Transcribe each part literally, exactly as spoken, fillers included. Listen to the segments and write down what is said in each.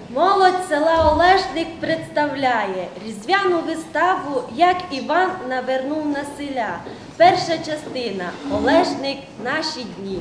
Молодь села Олешник представляє різдвяну виставу «Як Іван навернув на селя». Перша частина «Олешник. Наші дні».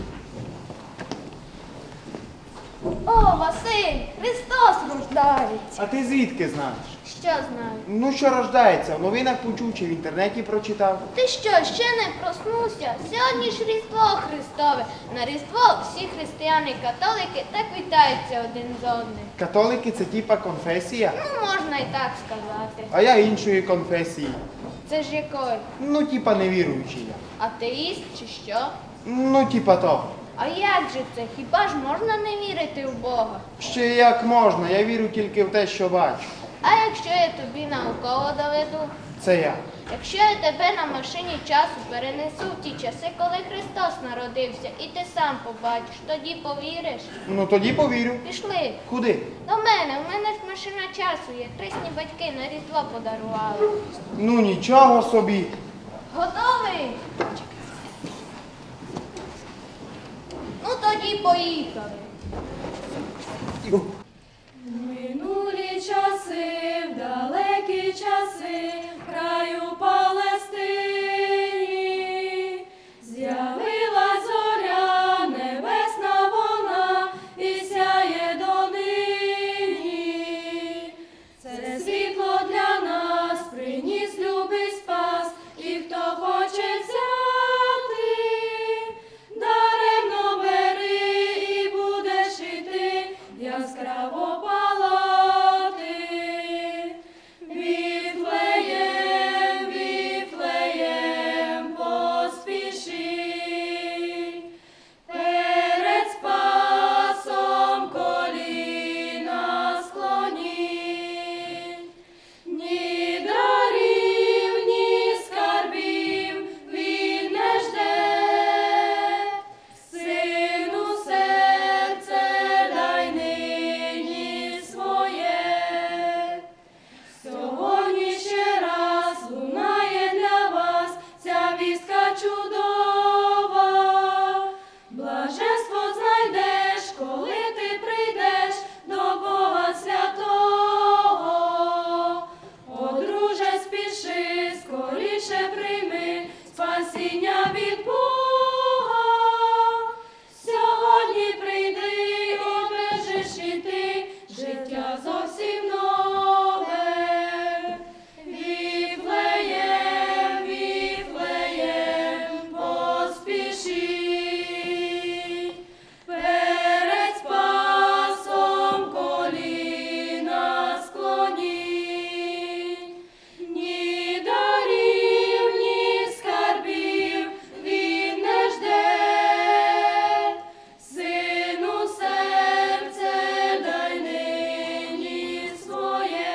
О, Василь, Христос рождається. А ти звідки знаєш? Що знаю? Ну, що рождається, в новинах почув чи в інтернеті прочитав. Ти що, ще не проснувся? Сьогодні ж Різдво Христове. На Різдво всі християни-католики так вітаються один з одним. Католики це типа конфесія, Ну, можна і так сказати. а я іншої конфесії. Це ж якої? Ну, типа невіруючий я. Атеїст чи що? Ну, типа того. А як же це? Хіба ж можна не вірити в Бога? Ще як можна, я вірю тільки в те, що бачу. А якщо я тобі науково доведу? Це я. Якщо я тебе на машині часу перенесу в ті часи, коли Христос народився, і ти сам побачиш, тоді повіриш? Ну, тоді повірю. Пішли. Куди? До мене, в мене ж машина часу є. Хресні батьки на Різдво подарували. Ну, нічого собі. Готовий? Ну тоді поїхали. Минулі часи, в далекі часи, в краю Палестині, з'явилась зоря, небесна вона, і сяє донині. Це світло для нас приніс любий спас, і хто хоче взяти, даремно бери і будеш іти, яскраво палати. Віфлеєм, Віфлеєм, поспіши, перед Спасом коліна склоніть. Ні дарів, ні скарбів він не жде, Сину серце дай нині своє. Сьогодні ще раз лунає для вас ця вістка чудова. Блаженство знайдеш, коли ти прийдеш до Бога святого. О, друже, спіши, скоріше прийми спасіння від Бога. Сьогодні прийди, обежиш і ти життя зовсім нове. Віфлеєм, Віфлеєм, поспіши, перед Спасом коліна склоніть. Ні дарів, ні скарбів він не жде, Сину серце дай нині своє.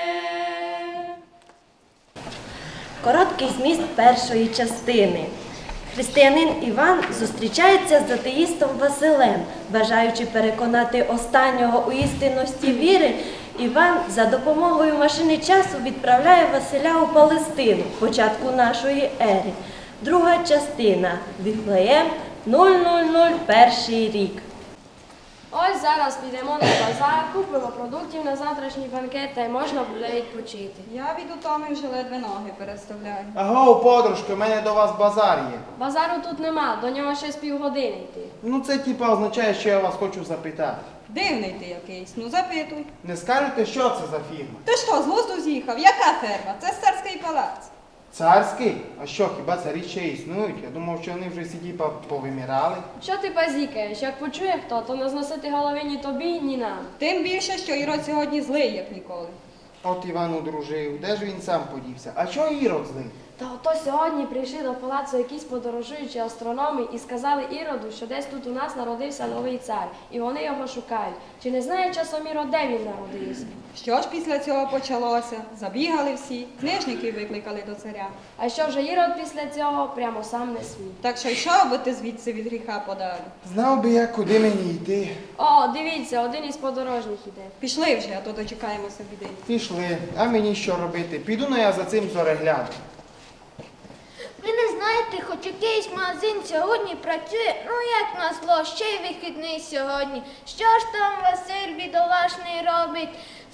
Короткий зміст першої частини. Християнин Іван зустрічається з атеїстом Василем. Бажаючи переконати останнього у істинності віри, Іван за допомогою машини часу відправляє Василя у Палестину, початку нашої ери. Друга частина. Віфлеєм, нуль нуль нуль, перший рік. Ось зараз підемо на базар, купимо продуктів на завтрашній банкет та й можна буде відпочити. Я від утоми вже ледве ноги переставляю. Аго, подружки, у мене до вас базар є. Базару тут нема, до нього ще з півгодини йти. Ну, це типа означає, що я вас хочу запитати. Дивний ти якийсь, ну запитуй. Не скажете, що це за фірма? Ти що, з глузду з'їхав? Яка ферма? Це царський палац. Царський? А що, хіба царі ще існують? Я думав, що вони вже всі типа повимирали. Що ти базікаєш? Як почує хто, то не зносити голови ні тобі, ні нам. Тим більше, що Ірод сьогодні злий, як ніколи. От Іван одружив, де ж він сам подівся? А чого Ірод злий? Та ото сьогодні прийшли до палацу якісь подорожуючі астрономи і сказали Іроду, що десь тут у нас народився новий цар, і вони його шукають. Чи не знає часом Ірод, де він народився? Що ж після цього почалося? Забігали всі, книжників викликали до царя. А що вже Ірод після цього прямо сам не свій. Так що йшов би ти звідси від гріха подалі. Знав би я, куди мені йти. О, дивіться, один із подорожніх іде. Пішли вже, а то дочекаємося біди. Пішли, а мені що робити? Піду ну я за цим зореглядом. Ви не знаєте, хоч якийсь магазин сьогодні працює, ну як назло, ще й вихідний сьогодні. Що ж там Василь бідолашний робить?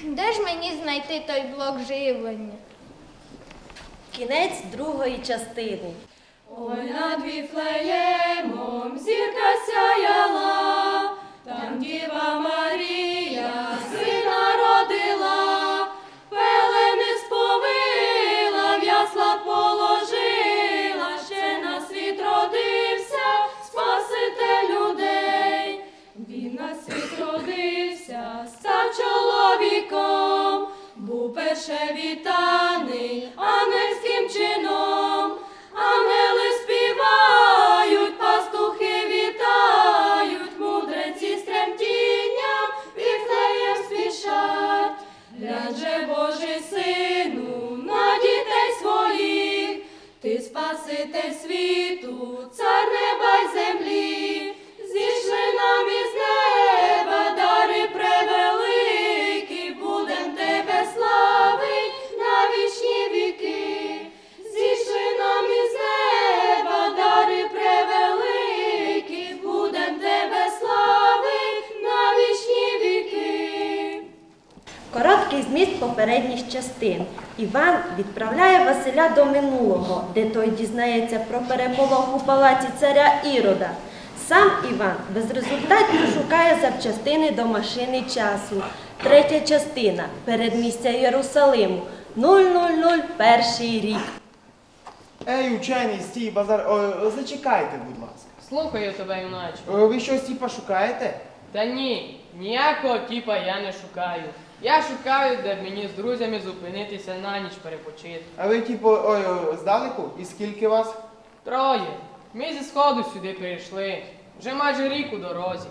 Де ж мені знайти той блок живлення? Кінець другої частини. Ой, над Віфлеємом зірка сяяла, там Діва Марія сина родила, пелени сповила, в ясла положила, ще на світ родився Спаситель людей. Він на світ родився, став чоловіком, був перше вітаний ангельським чином. Ангели співають, пастухи вітають, мудреці з тремтінням Віфлеєм спішать. Глянь же, Божий Сину, на дітей своїх, ти Спаситель світу, цар неба й землі. Зійшли нам із неба дари превеликі, будем тебе славить на вічні віки. Зійшли нам із неба дари превеликі, будем тебе славить на вічні віки. Короткий зміст попередніх частин. Іван відправляє Василя до минулого, де той дізнається про переполох у палаці царя Ірода. Сам Іван безрезультатно шукає запчастини до машини часу. Третя частина. Передмістя Єрусалиму. нуль нуль нуль перший рік. Ей, учений, стій, базар. О, зачекайте, будь ласка. Слухаю тебе, юначе. О, ви щось типа шукаєте? Та ні, ніякого тіпа я не шукаю. Я шукаю, де б мені з друзями зупинитися на ніч перепочити. А ви, типу, ой, ой, здалеку? І скільки вас? Троє. Ми зі сходу сюди прийшли. Вже майже рік у дорозі.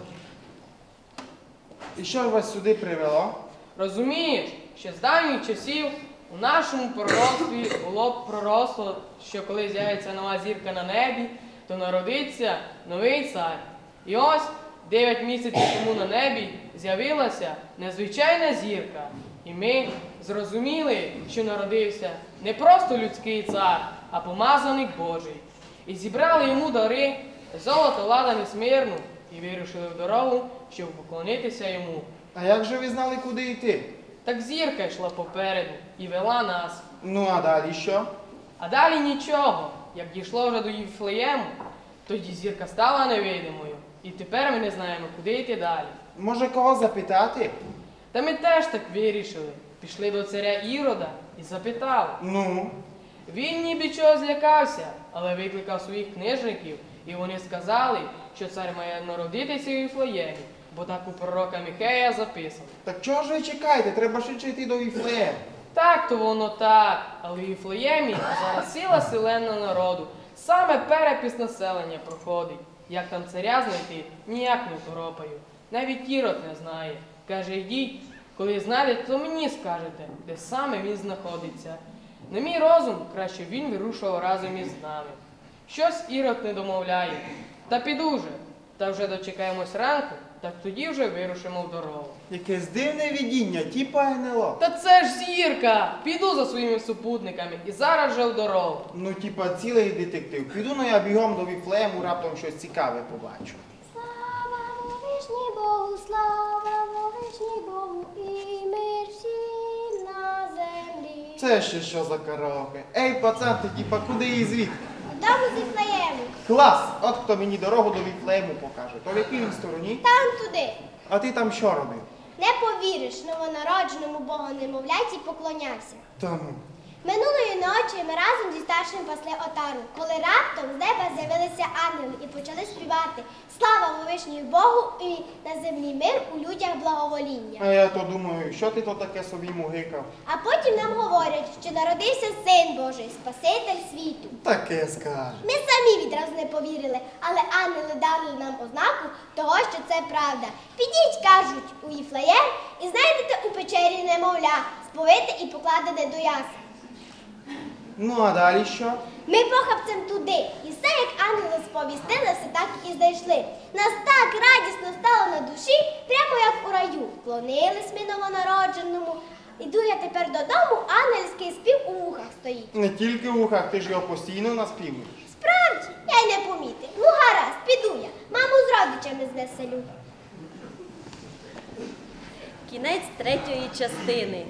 І що ж вас сюди привело? Розумієш, ще з давніх часів у нашому пророцтві було б пророцтво, що коли з'явиться нова зірка на небі, то народиться новий цар. І ось дев'ять місяців тому на небі з'явилася незвичайна зірка. І ми зрозуміли, що народився не просто людський цар, а помазаник Божий. І зібрали йому дари, золото, ладан і смирну, і вирушили в дорогу, щоб поклонитися йому. А як же ви знали, куди йти? Так зірка йшла попереду і вела нас. Ну, а далі що? А далі нічого. Як дійшло вже до Віфлеєму, тоді зірка стала невидимою. І тепер ми не знаємо, куди йти далі. Може, кого запитати? Та ми теж так вирішили. Пішли до царя Ірода і запитали. Ну, Він ніби чого злякався, але викликав своїх книжників, і вони сказали, що цар має народитися у Віфлеємі, бо так у пророка Михея записано. так чого ж ви чекаєте? Треба швидше йти до Віфлеєма. Так, то воно так, але в Віфлеємі зараз ціла селена народу. Саме перепис населення проходить. Як там царя знайти, ніяк не второпаю. Навіть Ірод не знає. Каже, йдіть, коли знайдете, то мені скажете, де саме він знаходиться. На мій розум, краще він вирушував разом із нами. Щось Ірод не домовляє. Та піду вже. Та вже дочекаємось ранку, так тоді вже вирушимо в дорогу. Якесь дивне видіння, типа ен ел о. Та це ж зірка! Піду за своїми супутниками і зараз же в дорогу. Ну, типа, цілий детектив. Піду, ну я бігом до Віфлеєму, раптом щось цікаве побачу. Слава вовишній Богу, слава вовишній Богу, і мир всім на землі. Це ще що за караоке? Ей, пацан, ти типа, куди і звідки? Дому з Віфлеєму, Клас! От хто мені дорогу до Віфлеєму покаже. То в якій він стороні? там туди. А ти там що робив? Не повіриш, новонародженому Богу немовляті поклонявся. Тому. Минулої ночі ми разом зі старшим пасли отару, коли раптом з неба з'явилися ангели і почали співати «Слава Вовишньому Богу і на землі мир, у людях благовоління». А я то думаю, що ти то таке собі мугикав? А потім нам говорять, що народився Син Божий, Спаситель світу. Таке скаже. Ми самі відразу не повірили, але ангели дали нам ознаку того, що це правда. Підіть, кажуть, у Віфлеєм і знайдете у печері немовля, сповите і покладене до ясла. Ну, а далі що? Ми похапцем туди, і все, як ангели сповістили, все так і знайшли. Нас так радісно стало на душі, прямо як у раю. Вклонились ми новонародженому. Іду я тепер додому, ангельський спів у вухах стоїть. Не тільки в ухах, ти ж його постійно наспівуєш. Справді, я й не помітив. Ну гаразд, піду я. Маму з родичами звеселю. Кінець третьої частини.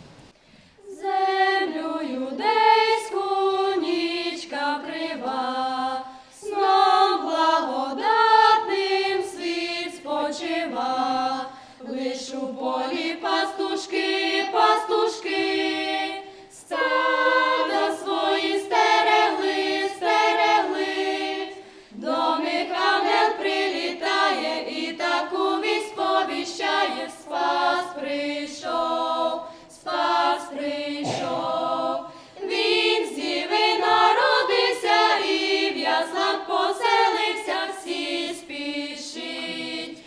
Землю юдейську нічка крива, сном благодатним світ спочива, лиш у полі пастушки, пастушки, стада свої стерегли, стерегли, до них ангел прилітає і таку вість сповіщає: Спас прийшов, Спас прийшов, він з діви народився і в яслах поселився, всі спішить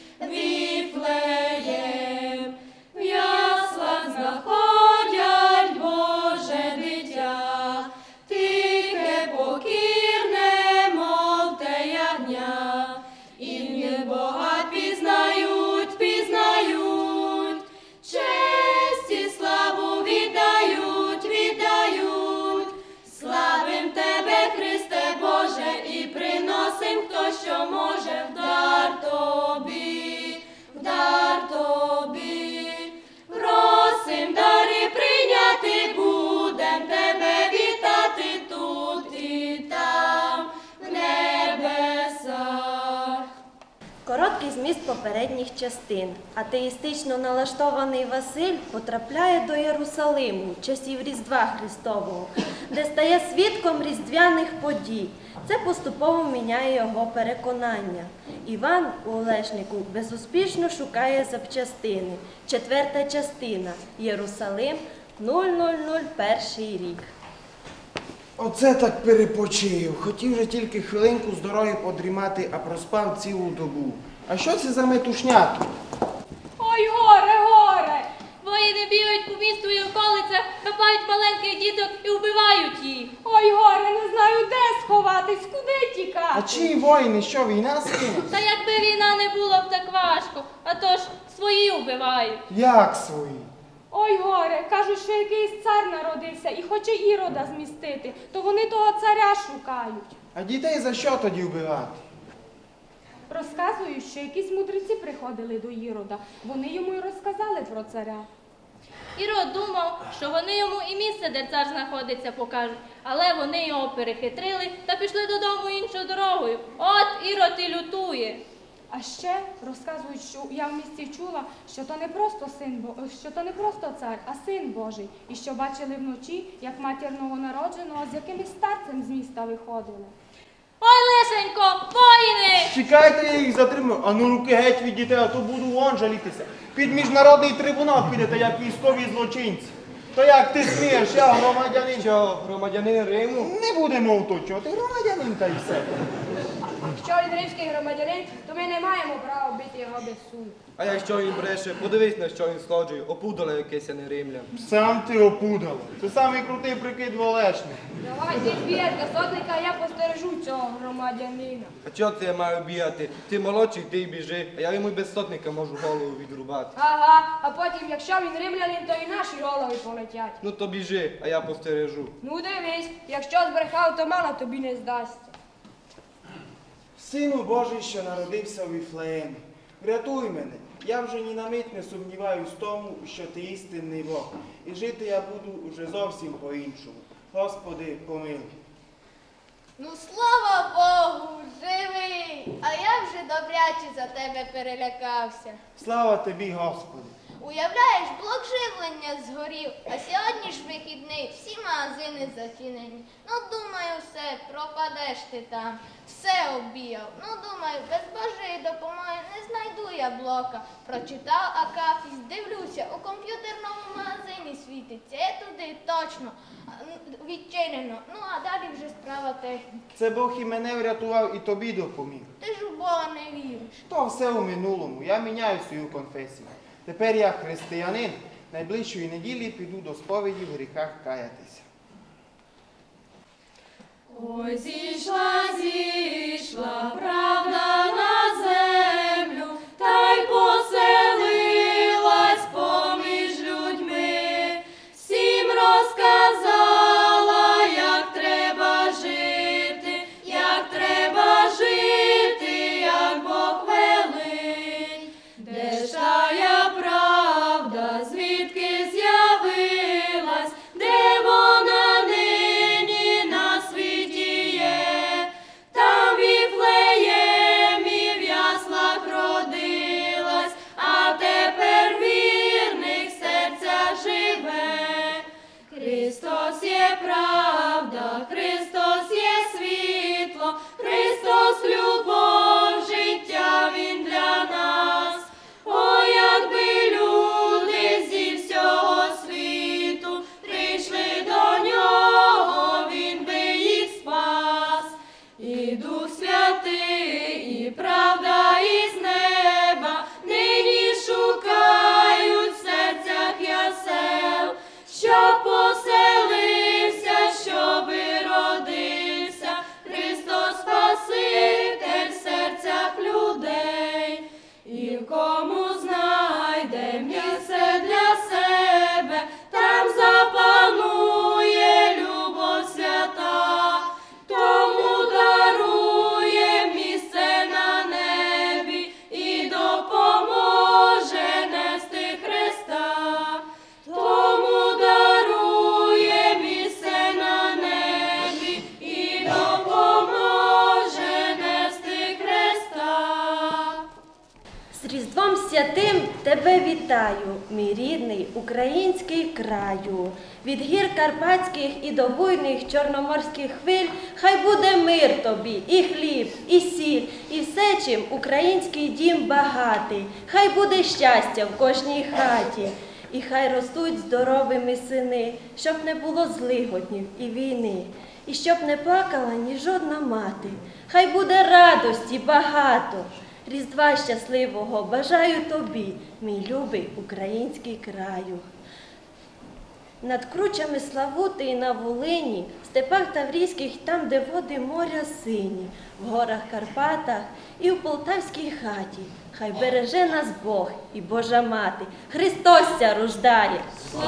Віфлеєм, в яслах знаходять Боже дитя, тихе, покірне, мов те ягня, і в нім Бога пізнають, пізнають, честь і славу віддають, віддають. Славим Тебе, Христе Боже, і приносим, хто що може, в дар Тобі, в дар Тобі. Просим дари прийняти, будем Тебе вітати тут і там, в небесах. Короткий зміст попередніх частин. Атеїстично налаштований Василь потрапляє до Єрусалиму часів Різдва Христового, де стає свідком різдвяних подій. Це поступово міняє його переконання. Іван у Олешнику безуспішно шукає запчастини. Четверта частина. Єрусалим, нуль нуль нуль перший рік. Оце так перепочив. Хотів же тільки хвилинку з дороги подрімати, а проспав цілу добу. А що це за метушня тут? Ой, горе, горе! Воїни бігають по місту і околицях, хапають маленьких діток і вбивають їх. Ой, горе, не знаю, де сховатись, куди тікати. А чиї воїни? Що, війна скинула? Та якби війна не було б так важко, а то ж свої вбивають. Як свої? Ой, горе, кажуть, що якийсь цар народився і хоче Ірода змістити, то вони того царя шукають. А дітей за що тоді вбивати? Розказують, що якісь мудреці приходили до Ірода. Вони йому й розказали про царя. Ірод думав, що вони йому і місце, де цар знаходиться, покажуть, але вони його перехитрили та пішли додому іншою дорогою. От Ірод і лютує. А ще розказують, що я в місті чула, що то не просто син, Бо- що то не просто цар, а син Божий. І що бачили вночі, як матір новонародженого з якимось старцем з міста виходили. Ой, лишенько, воїни! Чекайте, я їх затримую. А ну руки геть від дітей, а то буду вон жалітися. Під міжнародний трибунал підете, як військові злочинці. То як ти смієш, я громадянин. Що, громадянин Риму? Не будемо уточувати, громадянин та й все. Якщо він римський громадянин, то ми не маємо права бити його без суду. А якщо він бреше, подивись, на що він сходжує, опудало якесь, а не римлян. Сам ти опудало. Це самий крутий прикид в Олешнику. Давай, ти збієш до сотника, а я постережу цього громадянина. А чого це я маю бігати? Ти молодший, ти й біжи, а я йому й без сотника можу голову відрубати. Ага, а потім, якщо він римлянин, то і наші голови полетять. Ну то біжи, а я постережу. Ну дивись, якщо збрехав, то мало тобі не здасться. Сину Божий, що народився у Віфлеємі, врятуй мене. Я вже ні на мить не сумніваюсь в тому, що ти істинний Бог. І жити я буду уже зовсім по-іншому. Господи, помилуй. Ну, слава Богу, живий! А я вже добряче за тебе перелякався. Слава тобі, Господи. Уявляєш, блок живлення згорів, а сьогодні ж вихідний, всі магазини зачинені. Ну, думаю, все, пропадеш ти там. Все обіяв. Ну, думаю, без Божої допомоги не знайду я блока. Прочитав Акафіс, дивлюся, у комп'ютерному магазині світиться. Я туди точно а, н- відчинено. Ну, а далі вже справа техніки. Це Бог і мене врятував, і тобі допоміг. Ти ж у Бога не віриш. То все у минулому. Я міняю свою конфесію. Тепер я християнин. Найближчої неділі піду до сповіді в гріхах каятися. Ой, зійшла, зійшла правда на землю, та й поселилась поміж людьми, всім розказала, як треба жити, як треба жити, як Бог велить, де ж тая правда вітаю, мій рідний український краю. Від гір карпатських і до буйних чорноморських хвиль хай буде мир тобі, і хліб, і сіль, і все, чим український дім багатий. Хай буде щастя в кожній хаті, і хай ростуть здоровими сини, щоб не було злигоднів і війни, і щоб не плакала ні жодна мати. Хай буде радості багато. Різдва щасливого бажаю тобі, мій любий український краю. Над кручами Славути і на Волині, в степах Таврійських, там, де води моря сині, в горах Карпатах і в полтавській хаті, хай береже нас Бог і Божа Мати. Христос ся рождає!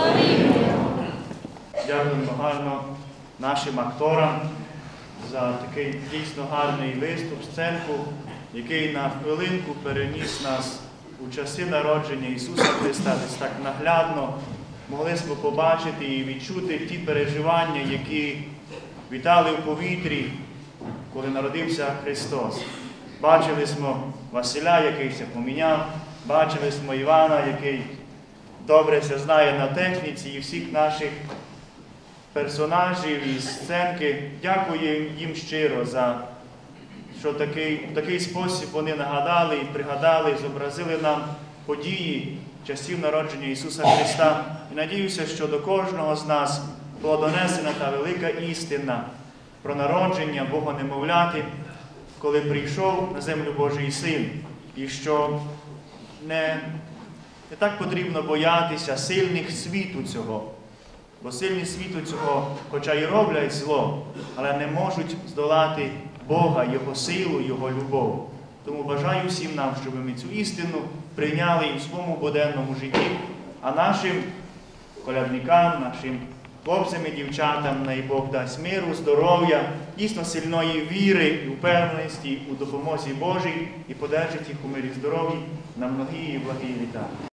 Дякуємо гарно нашим акторам за такий дійсно гарний виступ, сценку, який на хвилинку переніс нас у часи народження Ісуса Христа. Десь так наглядно могли ми побачити і відчути ті переживання, які вітали в повітрі, коли народився Христос. Бачили ми Василя, який се поміняв, бачили ми Івана, який добре се знає на техніці, і всіх наших персонажів із сценки. Дякую їм щиро за що такий, в такий спосіб вони нагадали і пригадали, зобразили нам події часів народження Ісуса Христа. І надіюся, що до кожного з нас була донесена та велика істина про народження Бога-немовляти, коли прийшов на землю Божий Син. І що не, не так потрібно боятися сильних світу цього. Бо сильні світу цього, хоча й роблять зло, але не можуть здолати Бога, Його силу, Його любов. Тому бажаю всім нам, щоб ми цю істину прийняли і в своєму буденному житті, а нашим колядникам, нашим хлопцям і дівчатам, най Бог дасть миру, здоров'я, дійсно сильної віри і впевненості у допомозі Божій і подержить їх у мирі здоров'ї на многії і благі літа.